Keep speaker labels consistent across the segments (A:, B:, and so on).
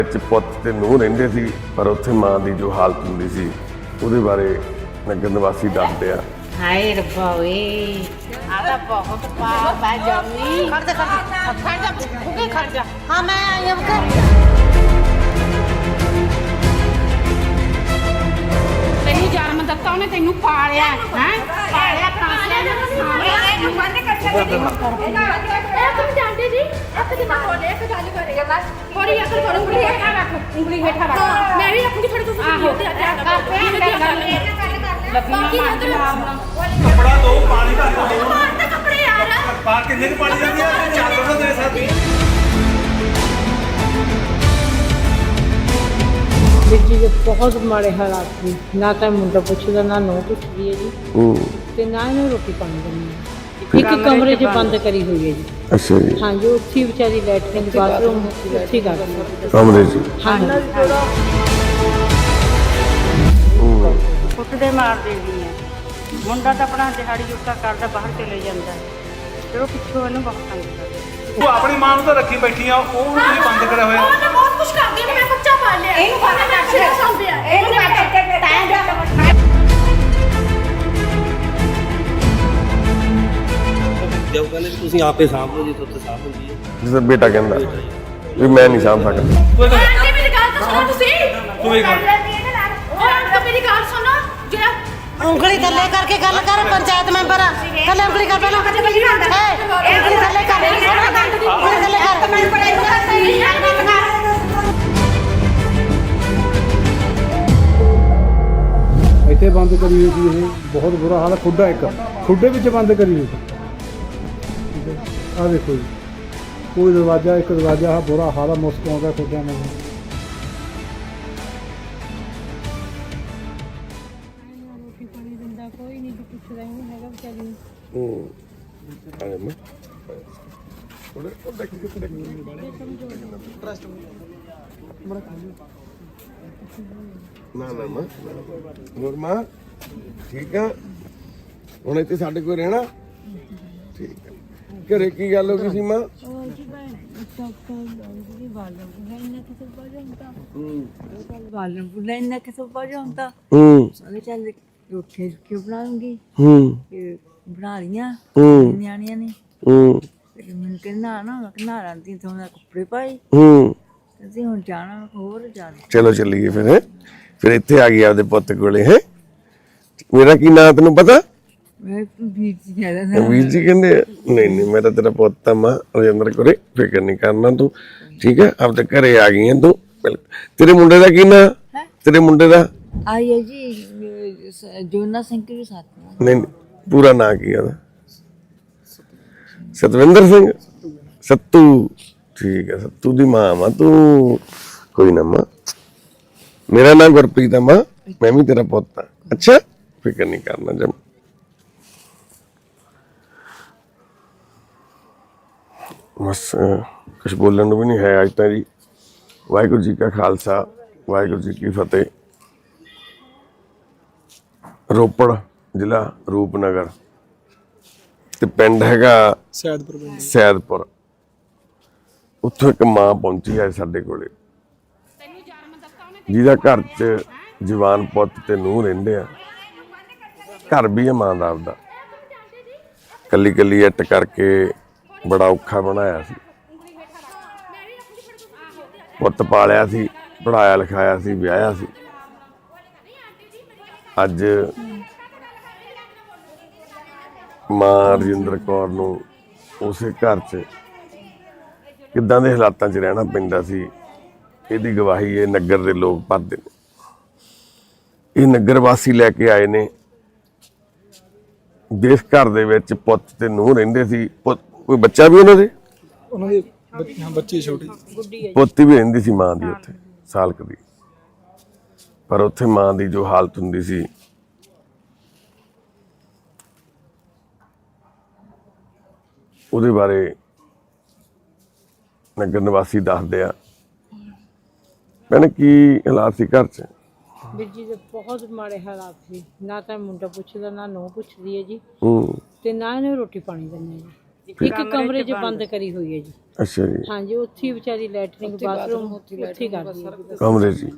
A: ਪੁੱਤ ਤੇ ਨੂੰਹ ਰਹਿੰਦੇ ਸੀ, ਪਰ ਉੱਥੇ ਮਾਂ ਦੀ ਜੋ ਹਾਲਤ ਹੁੰਦੀ ਸੀ ਉਹਦੇ ਬਾਰੇ ਨਗਰ ਨਿਵਾਸੀ ਦੱਸਦੇ ਆ।
B: ਹਾਏ ਰੱਬਾ ਓਏ ਆਦਾ ਬਹੁਤ ਪਾਪ ਹੈ ਜੰਮੀ। ਖੜ ਜਾ ਹਾਂ ਮੈਂ ਆਈ ਹਾਂ
C: ਤੈਨੂੰ ਜਨਮ ਦਿੱਤਾ ਉਹਨੇ, ਤੈਨੂੰ ਪਾਲਿਆ ਹੈ ਪਾਲਿਆ ਕਾਂਸਿਆ ਨੇ ਇਹਨੂੰ ਬੰਦ ਕਰ ਦੇ। ਇਹ ਤੁਮ ਜਾਣਦੇ ਜੀ ਇੱਕ ਦਿਨ ਬੋਲੇ ਇੱਕ ਗੱਲ ਕਰੇਗਾ ਬਸ ਥੋੜੀ ਅਕਲ ਕਰੋ। ਉਂਗਲੀ ਹੇਠਾਂ ਰੱਖ, ਉਂਗਲੀ ਹੇਠਾਂ ਰੱਖ। ਮੈਂ ਵੀ ਰੱਖੂਗੀ ਥੋੜੀ ਤੁਸੀਂ ਵੀ ਉੱਤੇ
D: कपड़ा दो, पानी का दो।
C: ਕੱਪੜੇ ਯਾਰ
D: बाहर कितने की पानी जाती है? चार दो दे सकती।
E: ਵੀਰ ਜੀ ਦੇ ਬਹੁਤ ਮਾੜੇ ਹਾਲਾਤ ਸੀ। ਨਾ ਤਾਂ ਮੁੰਡਾ ਪੁੱਛਦਾ ਨਾ ਨੂੰਹ ਪੁੱਛਦੀ ਹੈ ਜੀ, ਤੇ ਨਾ ਇਹਨੂੰ ਰੋਟੀ ਪਾਣੀ ਦਿੰਦੀ ਹੈ। ਇੱਕ ਕਮਰੇ 'ਚ ਬੰਦ ਕਰੀ ਹੋਈ ਹੈ ਜੀ।
A: ਅੱਛਾ ਜੀ,
E: ਹਾਂਜੀ, ਉੱਥੇ ਹੀ ਵਿਚਾਰੀ ਲੈਟਰਿੰਗ ਬਾਥਰੂਮ ਉੱਥੇ ਹੀ ਕਰਦੀ ਹੈ।
A: ਕਮਰੇ 'ਚ
E: ਹਾਂਜੀ
F: ਕੁੱਟਦੇ ਮਾਰਦੇ ਵੀ ਆ। ਮੁੰਡਾ ਤਾਂ ਆਪਣਾ ਦਿਹਾੜੀ ਜੁੱਤਾ ਕਰਦਾ ਬਾਹਰ ਚਲੇ ਜਾਂਦਾ ਤੇ ਉਹ ਪਿੱਛੋਂ ਇਹਨੂੰ ਬਹੁਤ ਤੰਗ ਕਰਦਾ।
D: तू अपनी मां ਨੂੰ ਤਾਂ ਰੱਖੀ ਬੈਠੀ ਆ, ਉਹ ਵੀ ਬੰਦ ਕਰਿਆ ਹੋਇਆ।
C: ਉਹਨੇ ਬਹੁਤ ਕੁਝ ਕਰਦੀ ਹੈ। ਮੈਂ ਬੱਚਾ ਪਾਲ ਲਿਆ ਇਹਨੂੰ ਬਾਹਰ ਰੱਖ ਸੰਭਿਆ ਇਹਨੂੰ
G: ਜਦ ਕਹਿੰਦੇ ਵੀ ਤੁਸੀਂ ਆਪੇ ਸਾਂਭ ਲਓ, ਜੇ ਤੁਹਾਡੇ ਸਾਂਭ ਹੁੰਦੀ ਹੈ।
A: ਜਿਸ ਦਾ ਬੇਟਾ ਕਹਿੰਦਾ ਵੀ ਮੈਂ ਨਹੀਂ ਸਾਂਭ ਸਕਦਾ।
C: ਆਂਟੀ ਮੇਰੀ ਗੱਲ ਤਾਂ ਸੁਣੋ ਤੁਸੀਂ।
D: ਤੂੰ ਇਹ ਕਰ
C: ਉਹ ਆਂਟੀ ਮੇਰੀ ਗੱਲ ਸੁਣੋ। ਜਿਹੜਾ
B: ਉਂਗਲੀ ਥੱਲੇ ਕਰਕੇ ਗੱਲ ਕਰ। ਪੰਚਾਇਤ ਮੈਂਬਰ ਆ, ਥੱਲੇ ਉਂਗਲੀ ਕਰ ਪਹਿਲਾਂ। ਉਂਗਲੀ ਥੱਲੇ ਕਰ, ਉਂਗਲੀ ਥੱਲੇ ਕਰ।
H: ਇੱਥੇ ਬੰਦ ਕਰੀ ਹੋਈ ਸੀ। ਇਹ ਬਹੁਤ ਬੁਰਾ ਹਾਲ ਹੈ। ਖੁੱਡਾ ਇੱਕ ਖੁੱਡੇ ਵਿੱਚ ਬੰਦ ਕਰੀ ਹੋਈ ਸੀ। ਆਹ ਦੇਖੋ ਜੀ, ਕੋਈ ਦਰਵਾਜ਼ਾ, ਇੱਕ ਦਰਵਾਜ਼ਾ। ਆਹ ਬੁਰਾ ਹਾਲ ਹੈ, ਮੁਸ਼ਕ ਆਉਂਦਾ ਖੁੱਡਿਆਂ ਨੂੰ।
E: ਰੋਟੀ ਪਾਣੀ ਦਿੰਦਾ ਕੋਈ ਨਹੀਂ, ਪੁੱਛਦਾ ਹੀ ਨਹੀਂ ਹੈਗਾ ਵਿਚਾਰੀ ਨੂੰ।
A: ਨਾ ਨਾ ਮਾਂ, ਹੋਰ ਮਾਂ ਠੀਕ ਆ? ਹੁਣ ਇੱਥੇ ਸਾਡੇ ਕੋਲ ਰਹਿਣਾ? ਠੀਕ ਆ। ਘਰੇ ਕੀ ਗੱਲ ਹੋ ਗਈ ਸੀ ਮਾਂ?
E: ਉਹ ਜੀ ਮੈਂ ਡਾਕਟਰ ਬਾਲਣ ਇਹਨਾਂ ਕਿਸੇ ਬਾਲਣ ਹੁੰਦਾ ਸਾਰੇ ਚੱਲ ਰੋਟੀ ਕਿਉਂ ਬਣਾਉਂਗੀ ਬਣਾ ਲੀਆਂ ਨਿਆਣੀਆਂ ਨੇ। ਤੇ ਮੈਨੂੰ ਕਹਿੰਦਾ ਨਾ ਰਾਂਦੀ ਤੋਂ ਕੱਪੜੇ ਪਾਏ ਅਸੀਂ ਹੁਣ ਜਾਣਾ ਹੋਰ ਜਾਣਾ।
A: ਚਲੋ ਚੱਲੀਏ ਫਿਰ। ਹੈਂ? ਫਿਰ ਇੱਥੇ ਆ ਗਈ ਆਪਦੇ ਪੁੱਤ ਕੋਲੇ। ਹੈ ਮੇਰਾ ਕੀ ਨਾਂ ਤੈਨੂੰ ਪਤਾ?
E: ਮੈਂ ਵੀਰ ਜੀ ਕਹਿੰਦਾ
A: ਵੀਰ ਜੀ ਕਹਿੰਦੇ ਆ? ਨਹੀਂ ਨਹੀਂ, ਮੈਂ ਤਾਂ ਤੇਰਾ ਪੁੱਤ ਆ ਮਾਂ, ਰਜਿੰਦਰ ਕੋਲੇ। ਫਿਕਰ ਨਹੀਂ ਕਰਨਾ ਤੂੰ, ਠੀਕ ਹੈ? ਆਪਦੇ ਘਰੇ ਆ ਗਈ ਹੈ ਤੂੰ। ਤੇਰੇ ਮੁੰਡੇ ਦਾ ਕੀ ਨਾਂ? ਤੇਰੇ ਮੁੰਡੇ ਦਾ
E: ਆਈ ਹੈ ਜੀ ਜੋਨਾ ਸਿੰਘ ਦੇ ਸਾਥ।
A: ਨਹੀਂ, ਪੂਰਾ ਨਾਂ ਕੀ ਆ ਉਹਦਾ? ਸਤਵਿੰਦਰ ਸਿੰਘ। ਸੱਤੂ। ਠੀਕ ਹੈ, ਸੱਤੂ ਦੀ ਮਾਂ ਵਾ ਤੂੰ। ਕੋਈ ਨਾ ਮਾਂ, ਮੇਰਾ ਨਾਮ ਗੁਰਪ੍ਰੀਤ ਆ ਮਾਂ, ਮੈਂ ਵੀ ਤੇਰਾ ਪੁੱਤ ਆ। ਅੱਛਾ, ਫਿਕਰ ਨਹੀਂ ਕਰਨਾ ਜਮ। ਬਸ ਕੁਛ ਬੋਲਣ ਨੂੰ ਵੀ ਨਹੀਂ ਹੈ ਅੱਜ ਤਾਂ ਜੀ। ਵਾਹਿਗੁਰੂ ਜੀ ਕਾ ਖਾਲਸਾ, ਵਾਹਿਗੁਰੂ ਜੀ ਕੀ ਫਤਿਹ। ਰੋਪੜ ਜ਼ਿਲ੍ਹਾ ਰੂਪਨਗਰ ਤੇ ਪਿੰਡ ਹੈਗਾ ਸੈਦਪੁਰ। ਉੱਥੋਂ ਇੱਕ ਮਾਂ ਪਹੁੰਚੀ ਹੈ ਸਾਡੇ ਕੋਲੇ, ਜਿਹਦਾ ਘਰ 'ਚ ਜਵਾਨ ਪੁੱਤ ਤੇ ਨੂੰਹ ਰਹਿੰਦੇ ਆ। ਘਰ ਵੀ ਹੈ ਮਾਂ ਦਾ ਆਪਦਾ। ਕੱਲੀ ਕੱਲੀ ਇੱਟ ਕਰਕੇ ਬੜਾ ਔਖਾ ਬਣਾਇਆ ਸੀ। ਪੁੱਤ ਪਾਲਿਆ ਸੀ, ਪੜਾਇਆ ਲਿਖਾਇਆ ਸੀ, ਵਿਆਹਿਆ ਸੀ। ਅੱਜ ਮਾਂ ਰਜਿੰਦਰ ਕੌਰ ਨੂੰ ਉਸੇ ਘਰ 'ਚ ਕਿੱਦਾਂ ਦੇ ਹਾਲਾਤਾਂ 'ਚ ਰਹਿਣਾ ਪੈਂਦਾ ਸੀ, ਇਹਦੀ ਗਵਾਹੀ ਇਹ ਨਗਰ ਦੇ ਲੋਕ ਭਰਦੇ ਨੇ। ਇਹ ਨਗਰ ਵਾਸੀ ਲੈ ਕੇ ਆਏ ਨੇ। ਜਿਸ ਘਰ ਦੇ ਵਿੱਚ ਪੁੱਤ ਤੇ ਨੂੰਹ ਰਹਿੰਦੇ ਸੀ, ਕੋਈ ਬੱਚਾ ਵੀ ਉਹਨਾਂ ਦੇ
H: ਬੱਚੀ ਛੋਟੀ
A: ਪੋਤੀ ਵੀ ਰਹਿੰਦੀ ਸੀ ਮਾਂ ਦੀ ਉੱਥੇ, ਸਾਲਕ ਦੀ। ਪਰ ਉੱਥੇ ਮਾਂ ਦੀ ਜੋ ਹਾਲਤ ਹੁੰਦੀ ਸੀ, ਉਹਦੇ ਬਾਰੇ ਨਗਰ ਨਿਵਾਸੀ ਦੱਸਦੇ ਆ। ਭੈਣ ਕੀ ਹਾਲਾਤ ਸੀ ਘਰ 'ਚ?
E: ਵੀਰ ਜੀ ਦੇ ਬਹੁਤ ਮਾੜੇ ਹਾਲਾਤ ਸੀ। ਨਾ ਤਾਂ ਮੁੰਡਾ ਪੁੱਛਦਾ ਨਾ ਨੂੰਹ ਪੁੱਛਦੀ ਹੈ ਜੀ, ਤੇ ਨਾ ਇਹਨੂੰ ਰੋਟੀ ਪਾਣੀ ਦਿੰਦੇ ਜੀ।
F: ਇੱਕ ਕਮਰੇ 'ਚ ਬੰਦ ਕਰੀ ਹੋਈ ਹੈ ਜੀ।
A: ਅੱਛਾ ਜੀ,
F: ਹਾਂਜੀ, ਉੱਥੇ ਹੀ ਵਿਚਾਰੀ ਲੈਟਰਿੰਗ ਬਾਥਰੂਮ ਉੱਥੇ ਹੀ ਕਰਦੀ ਹੈ।
A: ਕਮਰੇ 'ਚ ਹੀ।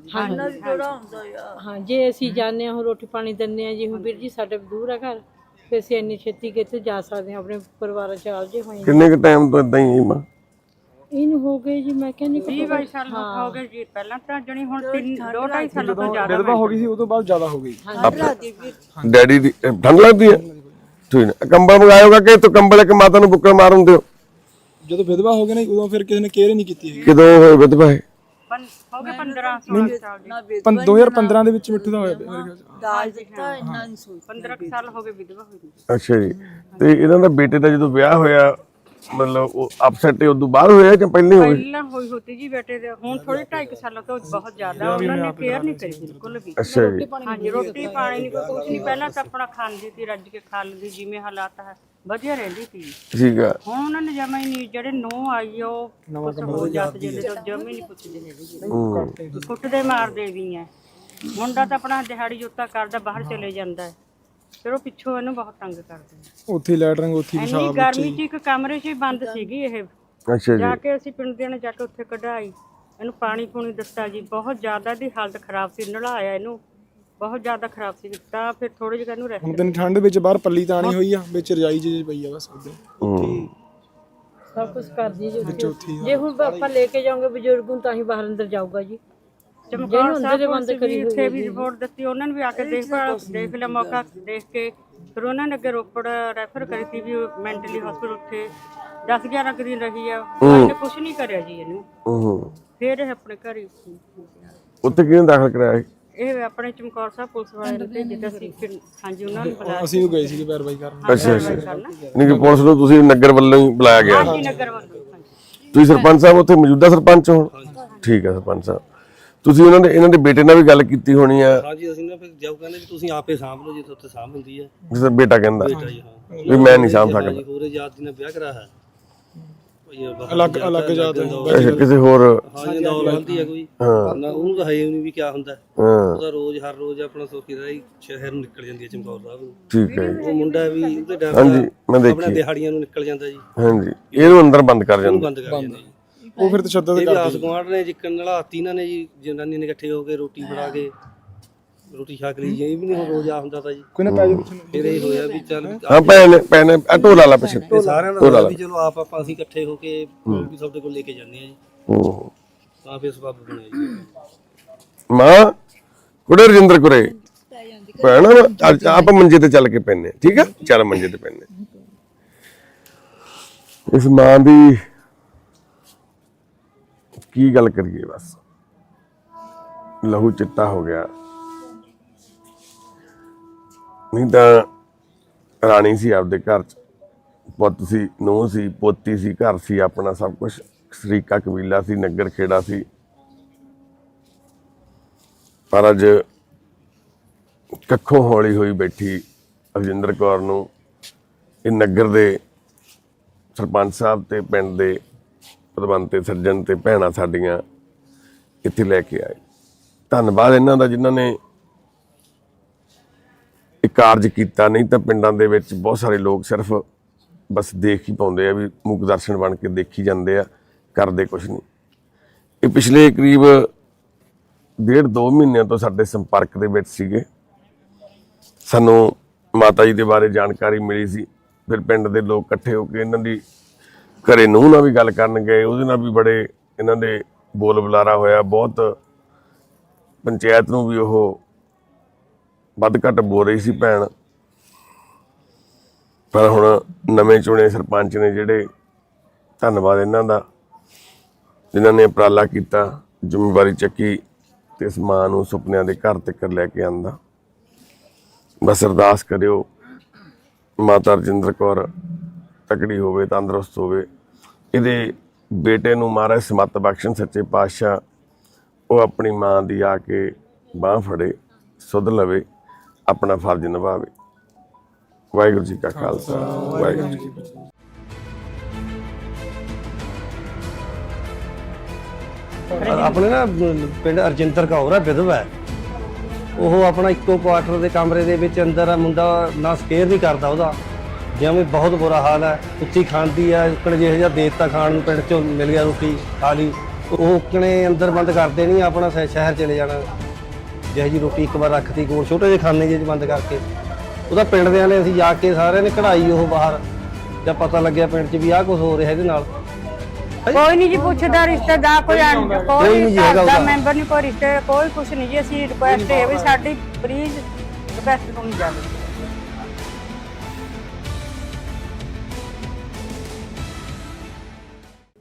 F: ਹਾਂ, ਜੇ ਅਸੀਂ ਜਾਂਦੇ ਹਾਂ, ਹੁਣ ਰੋਟੀ ਪਾਣੀ ਦਿੰਦੇ ਹਾਂ ਜੀ, ਹੁਣ ਵੀਰ ਜੀ ਸਾਡੇ ਦੂਰ ਆ ਘਰ, ਫਿਰ ਅਸੀਂ ਇੰਨੀ ਛੇਤੀ ਕਿੱਥੇ ਜਾ ਸਕਦੇ ਹਾਂ, ਆਪਣੇ ਪਰਿਵਾਰਾਂ 'ਚ ਆਲਜੇ ਹੋਏ ਹਾਂ।
A: ਕਿੰਨੇ ਕੁ ਟਾਈਮ ਤੋਂ ਇਦਾਂ ਹੀ ਮਾਂ?
F: ਇਹਨੂੰ ਹੋ ਗਏ ਜੀ, ਮੈਂ ਕਹਿੰਦੀ
B: 22 ਸਾਲ ਹੋ ਗਏ ਜੀ। ਪਹਿਲਾਂ ਤਾਂ ਜਣੀ ਹੁਣ 2-2.5 ਸਾਲਾਂ ਤੋਂ ਜ਼ਿਆਦਾ
H: ਵਿਧਵਾ ਹੋ ਗਈ ਸੀ, ਉਦੋਂ ਬਾਅਦ ਜ਼ਿਆਦਾ ਹੋ ਗਈ।
A: ਡੈਡੀ ਦੀ ਠੰਡ ਲੱਗਦੀ ਹੈ? ਠੀਕ ਹੈ, ਕੰਬਲ ਮੰਗਾਇਓਗਾ ਕਿ ਤੂੰ ਕੰਬਲ ਇੱਕ ਮਾਤਾ ਨੂੰ ਬੁੱਕਲ ਮਾਰਨ ਦਿਓ।
H: ਜਦੋਂ ਵਿਧਵਾ ਹੋ ਗਏ ਨਾ ਉਦੋਂ ਫਿਰ ਕਿਸੇ ਨੇ ਕੇਅਰ ਹੀ ਨਹੀਂ ਕੀਤੀ ਹੈਗੀ।
A: ਕਿਦੋਂ ਹੋਏ ਵਿਧਵਾ ਇਹ?
B: ਹੋ ਗਏ 15-16 ਸਾਲ ਜੀ।
H: 2015 ਦੇ ਵਿੱਚ ਮਿੱਠੂ ਦਾ ਹੋਇਆ ਮੇਰੇ ਖਿਆਲ 'ਚ।
E: ਦਾਜ ਦਿੱਤਾ ਇੰਨਾ ਨਹੀਂ ਸੋਚ
B: 15 ਸਾਲ ਹੋ ਗਏ ਵਿਧਵਾ ਹੋਈ ਨੂੰ।
A: ਅੱਛਾ ਜੀ, ਤੇ ਇਹਨਾਂ ਦਾ ਬੇਟੇ ਦਾ ਜਦੋਂ ਵਿਆਹ ਹੋਇਆ, ਮਤਲਬ ਉਹ ਅਪਸੈਟ ਉਦੋਂ ਬਾਅਦ ਹੋਇਆ ਜਾਂ ਪਹਿਲਾਂ ਹੋਇਆ?
B: ਪਹਿਲਾਂ ਹੋਈ ਹੋਤੀ ਜੀ ਬੇਟੇ ਦੇ। ਹੁਣ ਥੋੜੇ 2.5 ਸਾਲਾਂ ਤੋਂ ਬਹੁਤ ਜ਼ਿਆਦਾ ਉਹਨਾਂ ਨੇ ਕੇਅਰ ਨਹੀਂ ਕਰੀ ਬਿਲਕੁਲ ਵੀ।
A: ਅੱਛਾ ਜੀ,
B: ਹਾਂਜੀ, ਰੋਟੀ ਪਾਣੀ ਨਹੀਂ ਕੋਈ ਕੁਛ ਨਹੀਂ। ਪਹਿਲਾਂ ਤਾਂ ਆਪਣਾ ਖਾਂਦੀ ਸੀ, ਰੱਜ ਕੇ ਖਾ ਲੈਂਦੀ, ਜਿਵੇਂ ਹਾਲਾਤ ਹੈ ਵਧੀਆ ਰਹਿੰਦੀ ਸੀ।
A: ਠੀਕ ਆ।
B: ਹੁਣ ਉਹਨਾਂ ਨੇ ਜਮਾ ਹੀ ਨਹੀਂ, ਜਿਹੜੇ ਨੋ ਆਈ ਆ ਉਹ ਕੁਛ ਹੋ ਜਾਤ ਜਿਹੜੇ ਤੋਂ ਜਮਾ ਹੀ ਨਹੀਂ ਪੁੱਛਦੇ ਹੈਗੇ, ਕੁੱਟਦੇ ਮਾਰਦੇ ਵੀ ਆ। ਮੁੰਡਾ ਤਾਂ ਆਪਣਾ ਦਿਹਾੜੀ ਜੁੱਤਾ ਕਰਦਾ, ਬਾਹਰ ਚਲੇ ਜਾਂਦਾ ਹੈ, ਫਿਰ ਉਹ ਪਿੱਛੋਂ ਇਹਨੂੰ ਬਹੁਤ ਤੰਗ ਕਰਦੇ ਨੇ।
H: ਉੱਥੇ ਲੈਟਰਿੰਗ ਉੱਥੇ ਹੀ
B: ਇੰਨੀ ਗਰਮੀ 'ਚ ਇੱਕ ਕਮਰੇ 'ਚ ਹੀ ਬੰਦ ਸੀਗੀ ਇਹ।
A: ਅੱਛਾ ਜੀ,
B: ਜਾ ਕੇ ਅਸੀਂ ਪਿੰਡ ਦੇ ਨੇ ਜਾ ਕੇ ਉੱਥੇ ਕਢਾਈ, ਇਹਨੂੰ ਪਾਣੀ ਪੂਣੀ ਦਿੱਤਾ ਜੀ। ਬਹੁਤ ਜ਼ਿਆਦਾ ਦੀ ਹਾਲਤ ਖਰਾਬ ਸੀ, ਨਲਾਇਆ ਇਹਨੂੰ, ਬਹੁਤ ਜ਼ਿਆਦਾ ਖਰਾਬ ਸੀ। ਤਾਂ ਫਿਰ ਥੋੜੇ ਜਿਹਾ ਇਹਨੂੰ ਰੈਸਟ।
H: ਹੁਣ ਦਿਨ ਠੰਡ ਵਿੱਚ ਬਾਹਰ ਪੱਲੀ ਤਾਣੀ ਹੋਈ ਆ, ਵਿੱਚ ਰਜਾਈ ਜਿਹੀ ਪਈ ਆ ਬਸ ਉਹਦੇ।
F: ਸਭ ਕੁਝ ਕਰਦੀ ਜੀ ਉੱਥੇ। ਜੇ ਹੁਣ ਆਪਾਂ ਲੈ ਕੇ ਜਾਓਗੇ ਬਜ਼ੁਰਗ ਨੂੰ ਤਾਂ ਹੀ ਬਾਹਰ ਅੰਦਰ ਜਾਊਗਾ ਜੀ।
B: ਚਮਕੌਰ ਸਾਹਿਬ ਬੰਦ ਕਰੀ ਉੱਥੇ ਵੀ ਰਿਪੋਰਟ ਦਿੱਤੀ, ਉਹਨਾਂ ਨੇ ਵੀ ਆ ਕੇ ਦੇਖ ਲਿਆ, ਮੌਕਾ ਦੇਖ ਕੇ ਫਿਰ ਉਹਨਾਂ ਨੇ ਅੱਗੇ ਰੋਪੜ ਰੈਫਰ ਕਰੀ ਸੀ ਵੀ ਮੈਂਟਲੀ ਹਸਪੀਟਲ। ਉੱਥੇ 10-11 ਦਿਨ ਰਹੀ ਆ, ਉਹਨੇ ਕੁਝ ਨਹੀਂ ਕਰਿਆ ਜੀ ਇਹਨੂੰ। ਫਿਰ ਇਹ ਆਪਣੇ ਘਰ ਹੀ
A: ਉੱਥੇ ਕਿਹਨੇ ਦਾਖਲ ਕਰਾਇਆ ਸੀ?
B: ਇਹ ਆਪਣੇ ਚਮਕੌਰ ਸਾਹਿਬ ਪੁਲਿਸ ਵਾਲੇ ਨੇ ਭੇਜਿਆ ਸੀ। ਹਾਂਜੀ, ਉਹਨਾਂ ਨੂੰ ਬੁਲਾਇਆ।
H: ਅਸੀਂ ਵੀ ਗਏ ਸੀਗੇ ਪੈਰਵਾਈ ਕਰਨ।
A: ਅੱਛਾ ਅੱਛਾ, ਨਹੀਂ ਕਿ ਪੁਲਿਸ ਨੂੰ ਤੁਸੀਂ ਨਗਰ ਵੱਲੋਂ ਹੀ ਬੁਲਾਇਆ ਗਿਆ?
B: ਹਾਂਜੀ, ਨਗਰ ਵੱਲੋਂ।
A: ਤੁਸੀਂ ਸਰਪੰਚ ਸਾਹਿਬ ਉੱਥੇ ਮੌਜੂਦਾ ਸਰਪੰਚ ਹੋ? ਠੀਕ ਹੈ ਸਰਪੰਚ ਸਾਹਿਬ, ਤੁਸੀਂ ਇਹਨਾਂ ਦੇ ਬੇਟੇ ਨਾਲ ਵੀ ਗੱਲ ਕੀਤੀ ਹੋਣੀ ਆ?
G: ਹਾਂਜੀ, ਅਸੀਂ ਨਾ ਫਿਰ ਜਾਓ ਕਹਿੰਦੇ ਵੀ ਤੁਸੀਂ ਆਪੇ ਸਾਂਭ ਲਓ, ਜਿੱਥੇ ਉੱਥੇ ਸਾਂਭ ਹੁੰਦੀ ਹੈ।
A: ਜਿਸ ਬੇਟਾ ਕਹਿੰਦਾ
G: ਬੇਟਾ ਜੀ, ਹਾਂ
A: ਵੀ ਮੈਂ ਨਹੀਂ ਸਾਂਭ ਸਕਦਾ।
G: ਜੀ, ਹੋਰ ਜਾਤ ਦੀ ਨਾਲ ਵਿਆਹ ਕਰਾ ਹੈ,
H: ਅਲੱਗ ਜਾਤ ਹੈ।
A: ਅੱਛਾ, ਕਿਸੇ ਹੋਰ?
G: ਹਾਂ ਜੀ, ਨਾਲ ਹੁੰਦੀ ਹੈ ਕੋਈ ਨਾ, ਉਹਨੂੰ ਤਾਂ ਹੈ ਨਹੀਂ ਵੀ ਕੀ ਹੁੰਦਾ।
A: ਹਾਂ
G: ਉਹਦਾ ਰੋਜ਼ ਹਰ ਰੋਜ਼ ਆਪਣਾ ਸੋਕੀ ਦਾ ਸ਼ਹਿਰ ਨੂੰ ਨਿਕਲ ਜਾਂਦੀ ਹੈ ਚਮਕੌਰ ਸਾਹਿਬ ਨੂੰ।
A: ਠੀਕ ਹੈ,
G: ਉਹ ਮੁੰਡਾ ਵੀ ਉਹਦੇ ਡਰ
A: ਹਾਂਜੀ ਮੈਂ
G: ਆਪਣਾ
A: ਦੇਖੀ।
G: ਦਿਹਾੜੀਆਂ ਨੂੰ ਨਿਕਲ ਜਾਂਦਾ ਜੀ,
A: ਹਾਂਜੀ, ਇਹਨੂੰ ਅੰਦਰ ਬੰਦ ਕਰ
G: ਉਹਨੂੰ
A: ਜਾਂਦੇ।
G: ਬੰਦ ਕਰ ਜਾਂਦੇ ਜੀ।
H: ਉਹ ਫਿਰ ਤਸ਼ੱਦਦ
G: ਇਹ ਵੀ ਆਸ
H: ਕਰਦੇ।
G: ਗੁਆਂਢ ਨੇ ਜਿੱਕਣ ਨਲਾਤੀ ਇਹਨਾਂ ਨੇ ਜੀ, ਜਨਾਨੀ ਨੇ ਇਕੱਠੇ ਹੋ ਕੇ ਰੋਟੀ ਬਣਾ ਕੇ ਰੋਟੀ ਛਕ ਲਈ ਜੀ। ਇਹ ਵੀ ਨਹੀਂ ਹੁਣ ਰੋਜ਼ ਆ ਹੁੰਦਾ ਤਾਂ ਜੀ।
H: ਕੋਈ ਨਾ ਪੈ ਜਾ ਪਿੱਛੇ ਨੂੰ।
G: ਫਿਰ ਇਹ ਹੋਇਆ ਵੀ ਚੱਲ
A: ਹਾਂ ਭੈਣ ਢੋਲਾ ਲਾ ਪਿੱਛੇ।
G: ਸਾਰਿਆਂ ਦਾ ਵੀ ਚਲੋ ਆਪਾਂ ਅਸੀਂ ਇਕੱਠੇ ਹੋ ਕੇ ਵੀ ਤੁਹਾਡੇ ਕੋਲ ਲੈ ਕੇ ਜਾਂਦੇ ਆ ਜੀ, ਤਾਂ ਫਿਰ ਸਬੱਬ ਬਣਿਆ ਜੀ।
A: ਮਾਂ ਕੁੜੇ ਰਜਿੰਦਰ ਕੁਰੇ ਭੈਣ ਆਪਾਂ ਮੰਜੇ ਤੇ ਚੱਲ ਕੇ ਪੈਨੇ, ਠੀਕ ਆ? ਚੱਲ ਮੰਜੇ ਤੇ ਪੈਨੇ। ਇਸ ਮਾਂ ਦੀ ਕੀ ਗੱਲ ਕਰੀਏ, ਬਸ ਲਹੂ ਚਿੱਟਾ ਹੋ ਗਿਆ। ਨਹੀਂ ਤਾਂ ਰਾਣੀ ਸੀ ਆਪਦੇ ਘਰ ਚ, ਪੁੱਤ ਸੀ, ਨੂੰਹ ਸੀ, ਪੋਤੀ ਸੀ, ਘਰ ਸੀ ਆਪਣਾ, ਸਭ ਕੁਝ ਸ਼ਰੀਕਾ ਕਬੀਲਾ ਸੀ, ਨਗਰ ਖੇੜਾ ਸੀ। ਪਰ ਅੱਜ ਕੱਖੋਂ ਹੌਲੀ ਹੋਈ ਬੈਠੀ ਰਜਿੰਦਰ ਕੌਰ ਨੂੰ ਇਹ ਨਗਰ ਦੇ ਸਰਪੰਚ ਸਾਹਿਬ ਤੇ ਪਿੰਡ ਦੇ ਪ੍ਰਬੰਧ ਤੇ ਸੱਜਣ ਤੇ ਭੈਣਾਂ ਸਾਡੀਆਂ ਇੱਥੇ ਲੈ ਕੇ ਆਏ। ਧੰਨਵਾਦ ਇਹਨਾਂ ਦਾ ਜਿਨ੍ਹਾਂ ਨੇ ਇਹ ਕਾਰਜ ਕੀਤਾ। ਨਹੀਂ ਤਾਂ ਪਿੰਡਾਂ ਦੇ ਵਿੱਚ ਬਹੁਤ ਸਾਰੇ ਲੋਕ ਸਿਰਫ ਬਸ ਦੇਖ ਹੀ ਪਾਉਂਦੇ ਆ, ਵੀ ਮੁੱਖ ਦਰਸ਼ਨ ਬਣ ਕੇ ਦੇਖੀ ਜਾਂਦੇ ਆ, ਕਰਦੇ ਕੁਛ ਨਹੀਂ। ਇਹ ਪਿਛਲੇ ਕਰੀਬ 1.5-2 ਮਹੀਨਿਆਂ ਤੋਂ ਸਾਡੇ ਸੰਪਰਕ ਦੇ ਵਿੱਚ ਸੀਗੇ। ਸਾਨੂੰ ਮਾਤਾ ਜੀ ਦੇ ਬਾਰੇ ਜਾਣਕਾਰੀ ਮਿਲੀ ਸੀ, ਫਿਰ ਪਿੰਡ ਦੇ ਲੋਕ ਇਕੱਠੇ ਹੋ ਕੇ ਇਹਨਾਂ ਦੀ ਘਰੇ ਨੂੰਹ ਨਾਲ ਵੀ ਗੱਲ ਕਰਨ ਗਏ। ਉਹਦੇ ਨਾਲ ਵੀ ਬੜੇ ਇਹਨਾਂ ਦੇ ਬੋਲ ਬੁਲਾਰਾ ਹੋਇਆ। ਬਹੁਤ ਪੰਚਾਇਤ ਨੂੰ ਵੀ ਉਹ ਵੱਧ ਘੱਟ ਬੋਲ ਰਹੀ ਸੀ ਭੈਣ। ਪਰ ਹੁਣ ਨਵੇਂ ਚੁਣੇ ਸਰਪੰਚ ਨੇ ਜਿਹੜੇ, ਧੰਨਵਾਦ ਇਹਨਾਂ ਦਾ ਜਿਨ੍ਹਾਂ ਨੇ ਉਪਰਾਲਾ ਕੀਤਾ, ਜ਼ਿੰਮੇਵਾਰੀ ਚੱਕੀ ਤੇ ਇਸ ਮਾਂ ਨੂੰ ਸੁਪਨਿਆਂ ਦੇ ਘਰ ਤੱਕ ਲੈ ਕੇ ਆਂਦਾ। ਬਸ ਅਰਦਾਸ ਕਰਿਓ ਮਾਤਾ ਰਜਿੰਦਰ ਕੌਰ ਤਕੜੀ ਹੋਵੇ, ਤੰਦਰੁਸਤ ਹੋਵੇ। ਇਹਦੇ ਬੇਟੇ ਨੂੰ ਮਹਾਰਾਜ ਸਮੱਤ ਬਖਸ਼ਣ, ਸੱਚੇ ਪਾਤਸ਼ਾਹ ਉਹ ਆਪਣੀ ਮਾਂ ਦੀ ਆ ਕੇ ਬਾਂਹ ਫੜੇ, ਸੁਧ ਲਵੇ, ਆਪਣਾ ਫਰਜ਼ ਨਿਭਾਵੇ। ਵਾਹਿਗੁਰੂ ਜੀ ਕਾ ਖਾਲਸਾ, ਵਾਹਿਗੁਰੂ ਜੀ ਕੀ ਫਤਿਹ।
G: ਆਪਣੇ ਨਾ ਪਿੰਡ ਰਜਿੰਦਰ ਕੌਰ ਆ, ਵਿਧਵਾ ਹੈ। ਉਹ ਆਪਣਾ ਇੱਕੋ ਕੁਆਟਰ ਦੇ ਕਮਰੇ ਦੇ ਵਿੱਚ ਅੰਦਰ ਆ, ਮੁੰਡਾ ਨਾ ਸਕੇਅਰ ਨਹੀਂ ਕਰਦਾ ਉਹਦਾ, ਜਿਵੇਂ ਬਹੁਤ ਬੁਰਾ ਹਾਲ ਹੈ। ਉੱਚੀ ਖਾਂਦੀ ਆ ਉੱਕਣ ਜਿਹੇ ਜਿਹਾ ਦੇਤਾ ਖਾਣ ਨੂੰ, ਪਿੰਡ ਚੋਂ ਮਿਲ ਗਿਆ ਰੋਟੀ ਖਾ ਲਈ, ਉਹ ਉੱਕਣੇ ਅੰਦਰ ਬੰਦ ਕਰਦੇ ਨਹੀਂ, ਆਪਣਾ ਸ਼ਹਿਰ ਚਲੇ ਜਾਣਾ। ਜਿਹੇ ਜੀ ਰੋਟੀ ਇੱਕ ਵਾਰ ਰੱਖਤੀ ਕੋਲ ਛੋਟੇ ਜਿਹੇ ਖਾਨੇ ਜਿਹੇ 'ਚ ਬੰਦ ਕਰਕੇ, ਉਹਦਾ ਪਿੰਡ ਦਿਆਂ ਨੇ ਅਸੀਂ ਜਾ ਕੇ ਸਾਰਿਆਂ ਨੇ ਕਢਾਈ ਉਹ ਬਾਹਰ, ਜਦ ਪਤਾ ਲੱਗਿਆ ਪਿੰਡ 'ਚ ਵੀ ਆਹ ਕੁਝ ਹੋ ਰਿਹਾ ਇਹਦੇ ਨਾਲ।
B: ਕੋਈ ਨਹੀਂ ਜੀ ਪੁੱਛਦਾ ਰਿਸ਼ਤੇਦਾਰ, ਕੋਈ
G: ਕੋਈ ਨਹੀਂ ਜੀ ਹੈਗਾ ਉਹਦਾ।
B: ਮੈਂਬਰ ਨਹੀਂ, ਕੋਈ ਰਿਸ਼ਤੇ, ਕੋਈ ਕੁਛ ਨਹੀਂ ਜੀ। ਅਸੀਂ ਰਿਕੁਐਸਟ ਇਹ ਵੀ ਸਾਡੀ ਪਲੀਜ਼ ਰਿਕੁਐਸਟ ਸੁਣੀ ਜਾਵੇ।